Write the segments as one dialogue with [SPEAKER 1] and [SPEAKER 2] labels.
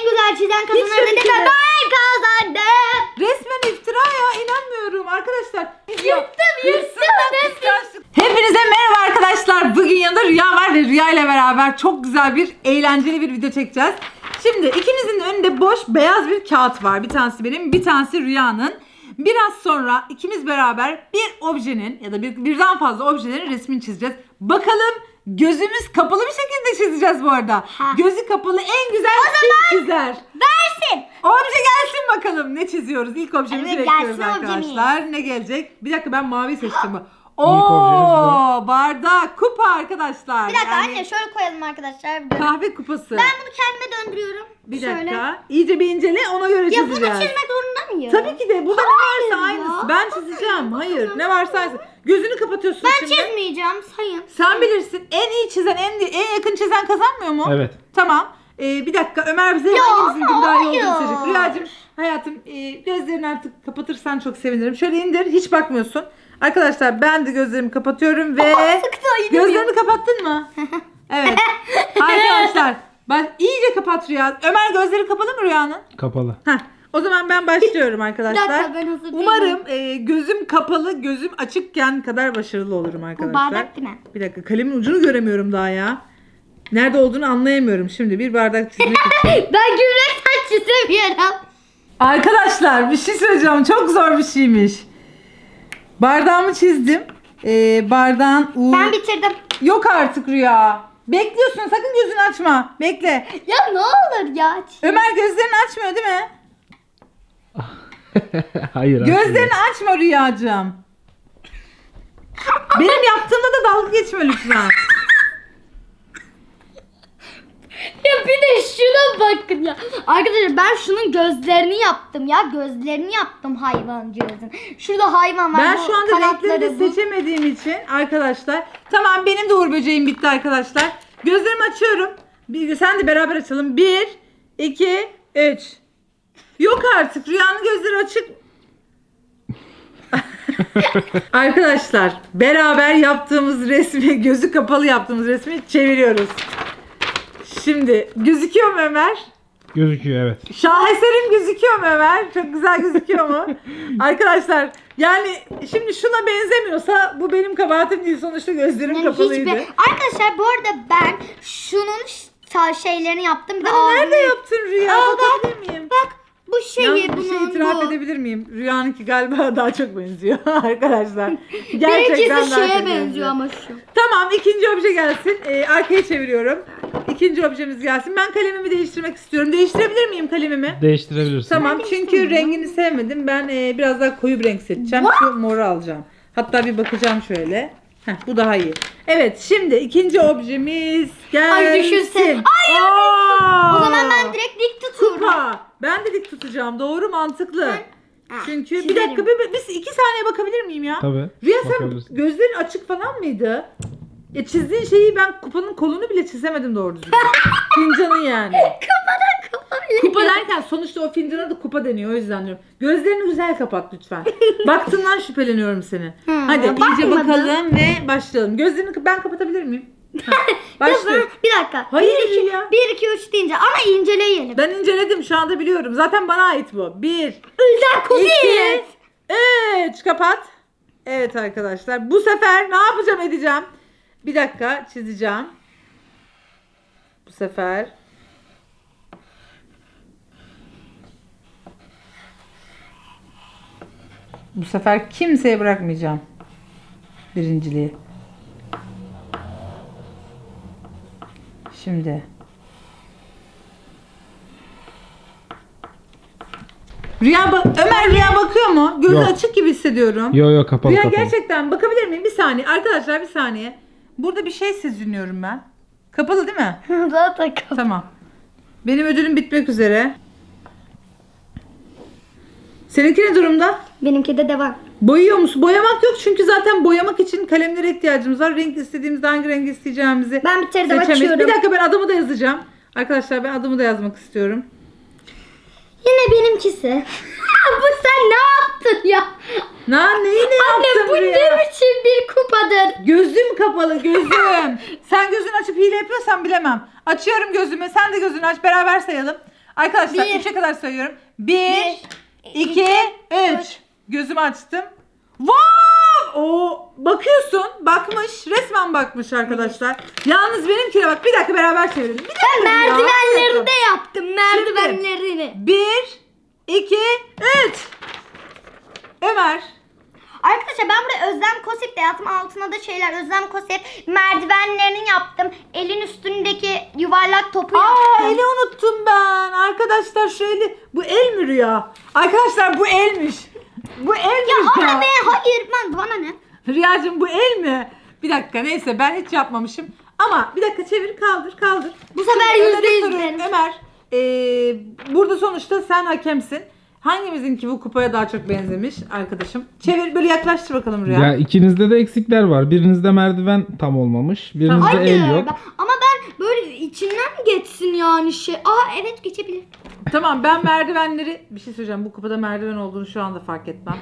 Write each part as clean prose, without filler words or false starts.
[SPEAKER 1] en güzel çizen kazanır dedi ve ben kazandım.
[SPEAKER 2] Resmen iftira ya, inanmıyorum arkadaşlar.
[SPEAKER 1] Yırttım.
[SPEAKER 2] Hepinize merhaba arkadaşlar. Bugün yanında Rüya var ve Rüya ile beraber çok güzel bir eğlenceli bir video çekeceğiz. Şimdi ikimizin önünde boş beyaz bir kağıt var. Bir tanesi benim, bir tanesi Rüya'nın. Biraz sonra ikimiz beraber bir objenin ya da birden fazla objelerin resmini çizeceğiz. Bakalım gözümüz kapalı bir şekilde çizeceğiz bu arada. Gözü kapalı en güzel kim çizer?
[SPEAKER 1] Versin.
[SPEAKER 2] Obje gelsin bakalım. Ne çiziyoruz? İlk objemizi
[SPEAKER 1] Evet,
[SPEAKER 2] bekliyoruz
[SPEAKER 1] gelsin
[SPEAKER 2] arkadaşlar. Ne gelecek? Bir dakika, ben mavi seçtim.
[SPEAKER 3] objemiz
[SPEAKER 2] Bardak, kupa arkadaşlar.
[SPEAKER 1] Bir dakika
[SPEAKER 2] Yani
[SPEAKER 1] anne şöyle koyalım arkadaşlar.
[SPEAKER 2] kahve kupası.
[SPEAKER 1] Ben bunu kendime döndürüyorum.
[SPEAKER 2] Bir
[SPEAKER 1] Şöyle.
[SPEAKER 2] dakika. İyice bir incele, ona göre
[SPEAKER 1] Ya bunu
[SPEAKER 2] çizeceğiz.
[SPEAKER 1] çizmek zorunda mıyım?
[SPEAKER 2] Tabii ki de. Burada ne varsa
[SPEAKER 1] Hayır ya.
[SPEAKER 2] aynısı. Ben çizeceğim. Hayır. Ne varsa aynısı. Gözünü kapatıyorsun
[SPEAKER 1] Ben
[SPEAKER 2] şimdi.
[SPEAKER 1] çizmeyeceğim sayın.
[SPEAKER 2] Sen bilirsin. En iyi çizen, en yakın çizen kazanmıyor mu?
[SPEAKER 3] Evet.
[SPEAKER 2] Tamam. Bir dakika, Ömer bize
[SPEAKER 1] Ya,
[SPEAKER 2] hangimizin daha iyi olduğunu
[SPEAKER 1] hayır.
[SPEAKER 2] söyleyecek. Rüyacığım, hayatım, gözlerini artık kapatırsan çok sevinirim. Şöyle indir, hiç bakmıyorsun. Arkadaşlar ben de gözlerimi kapatıyorum ve
[SPEAKER 1] Sıktı,
[SPEAKER 2] gözlerini kapattın mı? Evet. Arkadaşlar bak, iyice kapat Rüya. Ömer, gözleri kapalı mı Rüya'nın?
[SPEAKER 3] Kapalı.
[SPEAKER 2] Heh. O zaman ben başlıyorum
[SPEAKER 1] Bir
[SPEAKER 2] arkadaşlar.
[SPEAKER 1] dakika, ben hazır değilim.
[SPEAKER 2] Umarım gözüm kapalı, gözüm açıkken kadar başarılı olurum arkadaşlar.
[SPEAKER 1] Bu bardak değil mi?
[SPEAKER 2] Bir dakika, kalemin ucunu göremiyorum daha ya. Nerede olduğunu anlayamıyorum. Şimdi bir bardak çizmek için.
[SPEAKER 1] Ben gübre saç çizemiyorum.
[SPEAKER 2] Arkadaşlar bir şey söyleyeceğim. Çok zor bir şeymiş. Bardağımı çizdim. Bardağın
[SPEAKER 1] Ben bitirdim.
[SPEAKER 2] Yok artık Rüya. Bekliyorsun, sakın gözünü açma. Bekle.
[SPEAKER 1] Ya ne olur ya.
[SPEAKER 2] Ömer gözlerini açmıyor değil mi?
[SPEAKER 3] Hayır.
[SPEAKER 2] Gözlerini açma Rüyacığım. Benim yaptığımda da dalga geçme lütfen.
[SPEAKER 1] Ya bir de şuna bakın ya. Arkadaşlar ben şunun gözlerini yaptım ya. Gözlerini yaptım hayvancağızın. Şurada hayvan var.
[SPEAKER 2] Ben
[SPEAKER 1] bu
[SPEAKER 2] şu anda renkleri de
[SPEAKER 1] kanatları bu.
[SPEAKER 2] seçemediğim için arkadaşlar. Tamam, benim de uğur böceğim bitti arkadaşlar. Gözlerimi açıyorum. Sen de beraber açalım. 1, 2, 3. Yok artık, Rüyanın gözleri açık. Arkadaşlar beraber yaptığımız resmi, gözü kapalı yaptığımız resmi çeviriyoruz. Şimdi gözüküyor mu Ömer?
[SPEAKER 3] Gözüküyor, evet.
[SPEAKER 2] Şaheserim gözüküyor mu Ömer? Çok güzel gözüküyor mu? Arkadaşlar yani şimdi şuna benzemiyorsa bu benim kabahatim değil. Sonuçta gözlerim
[SPEAKER 1] Yani
[SPEAKER 2] kapalıydı.
[SPEAKER 1] Arkadaşlar bu arada ben şunun şeylerini yaptım. Bir de
[SPEAKER 2] Ama nerede
[SPEAKER 1] ağzını-
[SPEAKER 2] yaptın Rüya?
[SPEAKER 1] Aa,
[SPEAKER 2] Bakabilir miyim?
[SPEAKER 1] Bak bu şeyi
[SPEAKER 2] Yalnız bir
[SPEAKER 1] bunun
[SPEAKER 2] şey itiraf
[SPEAKER 1] bu.
[SPEAKER 2] edebilir miyim? Rüyanınki galiba daha çok benziyor arkadaşlar. Gerçekten
[SPEAKER 1] Benimkisi
[SPEAKER 2] daha
[SPEAKER 1] şeye
[SPEAKER 2] çok
[SPEAKER 1] benziyor ama şu.
[SPEAKER 2] Tamam, ikinci obje gelsin. Arkaya çeviriyorum. İkinci objemiz gelsin. Ben kalemimi değiştirmek istiyorum. Değiştirebilir miyim kalemimi?
[SPEAKER 3] Değiştirebilirsin.
[SPEAKER 2] Tamam,
[SPEAKER 1] Ben
[SPEAKER 2] çünkü
[SPEAKER 1] değiştirmiyorum.
[SPEAKER 2] rengini sevmedim. Ben biraz daha koyu bir renk seçeceğim. Şu moru alacağım. Hatta bir bakacağım şöyle. Heh, bu daha iyi. Evet, şimdi ikinci objemiz gelsin.
[SPEAKER 1] Ay, düşünsene. Ay,
[SPEAKER 2] Aa!
[SPEAKER 1] O zaman ben direkt dik tutuyorum.
[SPEAKER 2] Kupa. Ben de dik tutacağım. Doğru, mantıklı. Çünkü bir
[SPEAKER 1] çizerim.
[SPEAKER 2] dakika, biz 2 saniye bakabilir miyim ya?
[SPEAKER 3] Tabii.
[SPEAKER 2] Rüya, sen
[SPEAKER 3] Bakabilirsin.
[SPEAKER 2] gözlerin açık falan mıydı? Çizdiğin şeyi ben kupanın kolunu bile çizemedim doğru düzgün. Fincanın yani. Kupa derken sonuçta o fincana da kupa deniyor, o yüzden diyorum. Gözlerini güzel kapat lütfen. Baktığından şüpheleniyorum seni. Hadi iyice
[SPEAKER 1] bakmadım.
[SPEAKER 2] bakalım ve başlayalım. Gözlerini ben kapatabilir miyim? Başlıyorum.
[SPEAKER 1] Bir dakika.
[SPEAKER 2] Hayır
[SPEAKER 1] 1 2
[SPEAKER 2] ya.
[SPEAKER 1] 1 2 3 deyince ama inceleyelim.
[SPEAKER 2] Ben inceledim, şu anda biliyorum. Zaten bana ait bu. 1,
[SPEAKER 1] Özel kuziz.
[SPEAKER 2] 3, kapat. Evet arkadaşlar, bu sefer ne yapacağım edeceğim? Bir dakika, çizeceğim. Bu sefer. Bu sefer kimseye bırakmayacağım birinciliği. Şimdi. Ömer, Rüya bakıyor mu? Gözü
[SPEAKER 3] Yok.
[SPEAKER 2] açık gibi hissediyorum.
[SPEAKER 3] Yo kapalı
[SPEAKER 2] Rüya,
[SPEAKER 3] kapalı.
[SPEAKER 2] gerçekten bakabilir miyim? Bir saniye. Arkadaşlar bir saniye. Burada bir şey seziniyorum ben. Kapalı değil mi?
[SPEAKER 1] Zaten kapalı.
[SPEAKER 2] Tamam. Benim ödülüm bitmek üzere. Seninki ne durumda?
[SPEAKER 1] Benimki de devam.
[SPEAKER 2] Boyuyor musun? Boyamak yok çünkü zaten boyamak için kalemlere ihtiyacımız var. Renk istediğimizde hangi rengi isteyeceğimizi
[SPEAKER 1] Ben bitirdim,
[SPEAKER 2] seçemeyiz.
[SPEAKER 1] açıyorum.
[SPEAKER 2] Bir dakika, ben adımı da yazacağım. Arkadaşlar ben adımı da yazmak istiyorum.
[SPEAKER 1] Yine benimkisi. Bu sen ne yaptın ya?
[SPEAKER 2] Neyi ne
[SPEAKER 1] Anne
[SPEAKER 2] yaptım
[SPEAKER 1] bu
[SPEAKER 2] Rüya?
[SPEAKER 1] ne biçim bir kupadır?
[SPEAKER 2] Gözüm kapalı, gözüm. Sen gözünü açıp hile yapıyorsan bilemem. Açıyorum gözümü. Sen de gözünü aç. Beraber sayalım. Arkadaşlar
[SPEAKER 1] Bir.
[SPEAKER 2] 3'e kadar sayıyorum. 1, 2, 3. Gözümü açtım. Wow! O bakıyorsun. Bakmış. Resmen bakmış arkadaşlar. Yalnız benimkine bak. Bir dakika beraber çevirelim. Bir dakika
[SPEAKER 1] Ben
[SPEAKER 2] ya, bir
[SPEAKER 1] merdivenleri
[SPEAKER 2] dakika.
[SPEAKER 1] de yaptım. Merdivenlerini.
[SPEAKER 2] 1, 2, 3. Ömer.
[SPEAKER 1] Arkadaşlar ben buraya Özlem Kosip de yaptım. Altına da şeyler Özlem Kosip merdivenlerini yaptım. Elin üstündeki yuvarlak topu yaptım.
[SPEAKER 2] Eli unuttum ben. Arkadaşlar şöyle. Bu el mi Rüya? Arkadaşlar bu elmiş. Bu elmiş
[SPEAKER 1] Ya
[SPEAKER 2] ya.
[SPEAKER 1] ama ne? Hayır ben bana ne?
[SPEAKER 2] Rüyacığım bu el mi? Bir dakika neyse ben hiç yapmamışım. Ama bir dakika çevir kaldır.
[SPEAKER 1] Bu sefer
[SPEAKER 2] Şimdi Ömer'e
[SPEAKER 1] %100
[SPEAKER 2] soruyorum.
[SPEAKER 1] benim.
[SPEAKER 2] Ömer burada sonuçta sen hakemsin. Hangimizinki bu kupaya daha çok benzemiş arkadaşım? Çevir böyle yaklaştır bakalım Rüya.
[SPEAKER 3] Ya ikinizde de eksikler var. Birinizde merdiven tam olmamış. Birinizde
[SPEAKER 1] Hayır.
[SPEAKER 3] el yok.
[SPEAKER 1] Ama ben böyle içinden geçsin yani şey. Aa evet geçebilir.
[SPEAKER 2] Tamam ben merdivenleri bir şey söyleyeceğim. Bu kupada merdiven olduğunu şu anda fark etmem.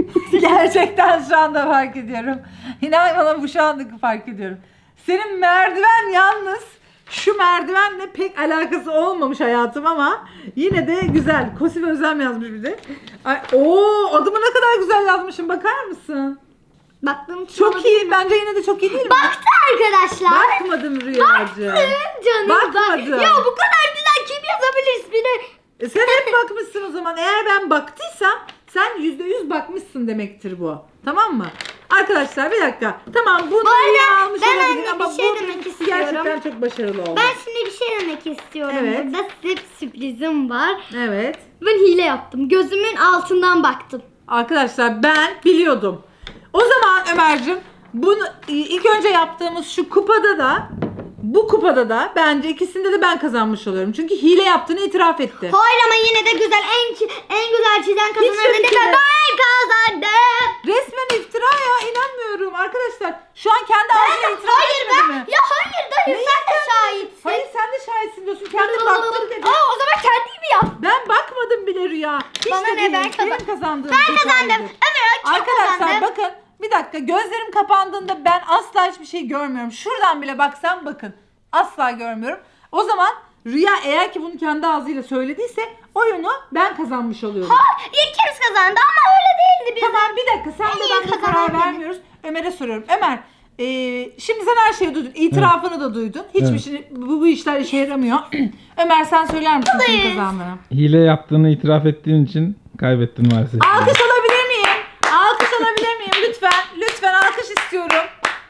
[SPEAKER 2] Gerçekten şu anda fark ediyorum. İnan bana bu şu anda fark ediyorum. Senin merdiven yalnız şu merdivenle pek alakası olmamış hayatım ama yine de güzel. Kosif Özlem yazmış bir de. Ay, adımı ne kadar güzel yazmışım bakar mısın?
[SPEAKER 1] Baktığım için
[SPEAKER 2] Çok
[SPEAKER 1] olabilir.
[SPEAKER 2] iyi. Bence yine de çok iyi değil mi?
[SPEAKER 1] Baktı arkadaşlar.
[SPEAKER 2] Bakmadım Rüyacığım.
[SPEAKER 1] Canım
[SPEAKER 2] Bakmadım.
[SPEAKER 1] bak. Ya bu kadar güzel kim yazabilir ismini?
[SPEAKER 2] Sen hep bakmışsın o zaman. Eğer ben baktıysam sen %100 bakmışsın demektir bu. Tamam mı? Arkadaşlar bir dakika. Tamam bunu
[SPEAKER 1] Bu arada
[SPEAKER 2] Rüya almış
[SPEAKER 1] ben
[SPEAKER 2] olabilir
[SPEAKER 1] anne
[SPEAKER 2] ama
[SPEAKER 1] bir şey
[SPEAKER 2] bu
[SPEAKER 1] demek
[SPEAKER 2] benimkisi
[SPEAKER 1] istiyorum.
[SPEAKER 2] gerçekten çok başarılı oldu.
[SPEAKER 1] Ben şimdi bir şey demek istiyorum.
[SPEAKER 2] Evet.
[SPEAKER 1] Burada size bir sürprizim var.
[SPEAKER 2] Evet.
[SPEAKER 1] Ben hile yaptım. Gözümün altından baktım.
[SPEAKER 2] Arkadaşlar ben biliyordum. O zaman Ömerciğim bunu ilk önce yaptığımız şu kupada da bu kupada da bence ikisinde de ben kazanmış oluyorum. Çünkü hile yaptığını itiraf etti.
[SPEAKER 1] Hayır ama yine de güzel. En güzel çizen kazanır
[SPEAKER 2] öyle
[SPEAKER 1] dedi
[SPEAKER 2] şey
[SPEAKER 1] ve
[SPEAKER 2] yok.
[SPEAKER 1] ben kazandım.
[SPEAKER 2] Resmen iftira ya inanmıyorum arkadaşlar. Şu an kendi ağzına itiraf
[SPEAKER 1] Hayır
[SPEAKER 2] etmedi
[SPEAKER 1] ben.
[SPEAKER 2] mi?
[SPEAKER 1] Ya hayır dayı sen de şahitsin.
[SPEAKER 2] Hayır sen de şahitsin diyorsun. Kendin baktın dedi.
[SPEAKER 1] Aa, o zaman kendimi yap.
[SPEAKER 2] Ben bakmadım bile Rüya. Hiç
[SPEAKER 1] Bana
[SPEAKER 2] de
[SPEAKER 1] ne,
[SPEAKER 2] değil.
[SPEAKER 1] ben
[SPEAKER 2] Benim
[SPEAKER 1] kazandım.
[SPEAKER 2] kazandığım
[SPEAKER 1] Ben
[SPEAKER 2] bir
[SPEAKER 1] kazandım.
[SPEAKER 2] tanedir.
[SPEAKER 1] Ömer kim
[SPEAKER 2] Arkadaşlar
[SPEAKER 1] kazandı?
[SPEAKER 2] bakın bir dakika gözlerim kapandığında ben asla hiçbir şey görmüyorum. Şuradan bile baksam bakın asla görmüyorum. O zaman Rüya eğer ki bunu kendi ağzıyla söylediyse oyunu ben kazanmış oluyorum.
[SPEAKER 1] İkimiz kazandı ama öyle değildi biz.
[SPEAKER 2] Tamam bir dakika sen de
[SPEAKER 1] En iyi
[SPEAKER 2] ben de
[SPEAKER 1] kazanan
[SPEAKER 2] karar
[SPEAKER 1] benim.
[SPEAKER 2] vermiyoruz. Ömer'e soruyorum. Ömer şimdi sen her şeyi duydun. İtirafını da duydun. Hiçbir
[SPEAKER 3] Evet.
[SPEAKER 2] şey bu işler işe yaramıyor. Ömer sen söyler misin kim
[SPEAKER 1] Buradayız.
[SPEAKER 2] kazandığını?
[SPEAKER 3] Hile yaptığını itiraf ettiğin için kaybettin maalesef.
[SPEAKER 2] Alkış alabilir miyim? Alkış alabilir miyim? Lütfen. Lütfen alkış istiyorum.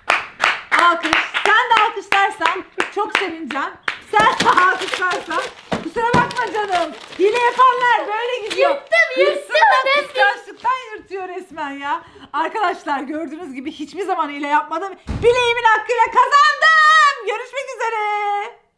[SPEAKER 2] Alkış. Sen de alkışlarsan çok sevineceğim. Sen de alkışlarsan. Kusura bakma canım. Hile yapanlar böyle gidiyor.
[SPEAKER 1] Yırttım.
[SPEAKER 2] Hırsından, kıskançlıktan yırtıyor resmen ya. Arkadaşlar gördüğünüz gibi hiçbir zaman hile yapmadım. Bileğimin hakkıyla kazandım. Görüşmek üzere.